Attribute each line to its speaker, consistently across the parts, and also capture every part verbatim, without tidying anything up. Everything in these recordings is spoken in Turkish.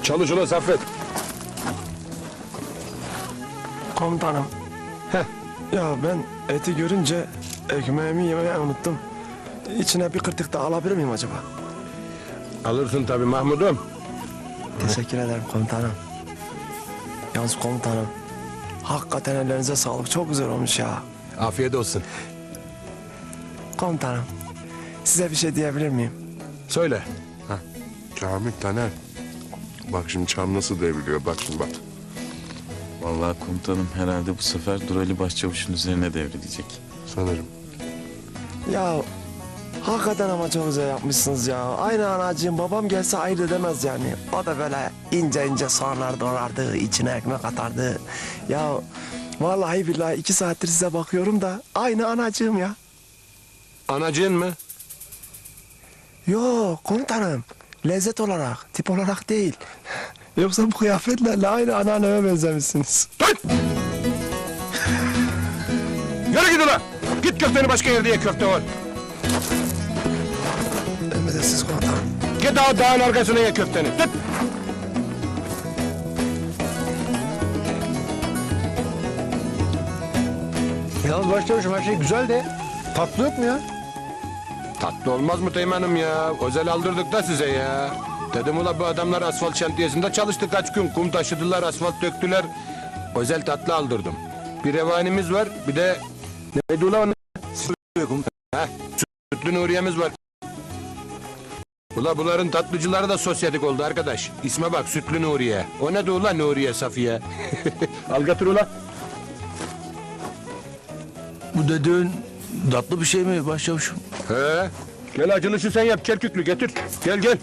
Speaker 1: Çalış ulan Saffet.
Speaker 2: Komutanım.
Speaker 1: Heh.
Speaker 2: Ya ben eti görünce ekmeğimi yemeyi unuttum. İçine bir kırtık da alabilir miyim acaba?
Speaker 1: Alırsın tabii Mahmud'um.
Speaker 2: Teşekkür ederim komutanım. Yalnız komutanım, hakikaten ellerinize sağlık. Çok güzel olmuş ya.
Speaker 1: Afiyet olsun.
Speaker 2: Komutanım, size bir şey diyebilir miyim?
Speaker 1: Söyle.
Speaker 3: Kamil, Taner. Bak şimdi çam nasıl devriliyor, bak şimdi bak.
Speaker 4: Vallahi komutanım herhalde bu sefer Durali Başçavuş'un üzerine devrilecek.
Speaker 3: Sanırım.
Speaker 2: Ya hakikaten ama çok güzel yapmışsınız ya. Aynı anacığım, babam gelse ayırt edemez yani. O da böyle ince ince soğanlar doğrardı, içine ekmek atardı. Ya vallahi billahi iki saattir size bakıyorum da aynı anacığım ya.
Speaker 1: Anacığın mı?
Speaker 2: Yok komutanım, lezzet olarak, tip olarak değil. Yoksa bu kıyafetlerle aynı anneanneme benzemişsiniz.
Speaker 1: Dur! Yürü git ulan! Git köfteni başka yerde ye, köfte var.
Speaker 2: Emredersiniz komutanım.
Speaker 1: Git daha dağın arkasına ye köfteni. Tut!
Speaker 5: Yalnız başçavuşum her şey güzel de tatlı yok mu ya?
Speaker 1: Tatlı olmaz mı Teğmen'im ya? Özel aldırdık da size ya. Dedim ula bu adamlar asfalt şantiyesinde çalıştı kaç gün. Kum taşıdılar, asfalt döktüler. Özel tatlı aldırdım. Bir revanimiz var, bir de... Neydi ula onun? Heh, sütlü Nuriye'miz var. Ula bunların tatlıcıları da sosyetik oldu arkadaş. İsme bak, Sütlü Nuriye. O ne de ula Nuriye Safiye? Al götür ula.
Speaker 6: Bu dediğin tatlı bir şey mi başçavuşum?
Speaker 1: He. Gel acılışı sen yap, Kerküklü getir. Gel gel.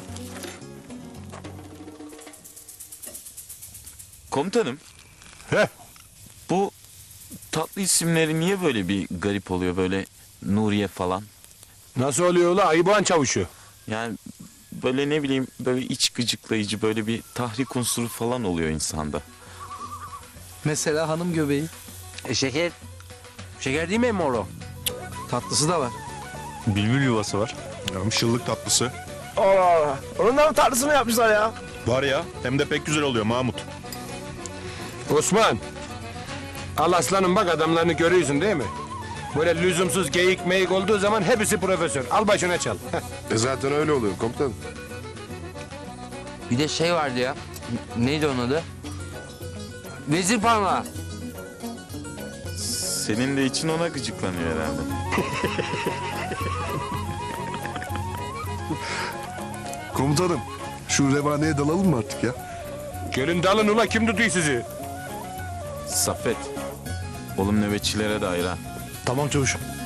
Speaker 4: Komutanım
Speaker 1: Heh.
Speaker 4: bu tatlı isimleri niye böyle bir garip oluyor, böyle Nuriye falan?
Speaker 1: Nasıl oluyor ula Ayıboğan çavuşu?
Speaker 4: Yani böyle ne bileyim böyle iç gıcıklayıcı, böyle bir tahrik unsuru falan oluyor insanda.
Speaker 5: Mesela hanım göbeği.
Speaker 7: E şeker. Şeker değil mi emmi oğlum?
Speaker 5: Tatlısı da var.
Speaker 6: Bülbül yuvası var.
Speaker 3: Ya şıllık tatlısı.
Speaker 2: Allah Allah. Onun da mı tatlısını yapmışlar ya?
Speaker 3: Var ya, hem de pek güzel oluyor Mahmut.
Speaker 1: Osman. Al aslanım bak adamlarını görüyorsun değil mi? Böyle lüzumsuz geyik meyik olduğu zaman hepsi profesör. Al başına çal.
Speaker 3: E zaten öyle oluyor komutanım.
Speaker 7: Bir de şey vardı ya. N- Neydi onun adı? Vezir parmağı.
Speaker 4: Senin de için ona gıcıklanıyor herhalde.
Speaker 3: Komutanım, şu revaneye dalalım mı artık ya?
Speaker 1: Gelin dalın ula kim tutuyor sizi?
Speaker 4: Saffet, oğlum nöbetçilere dair ha.
Speaker 6: Tamam çavuşum.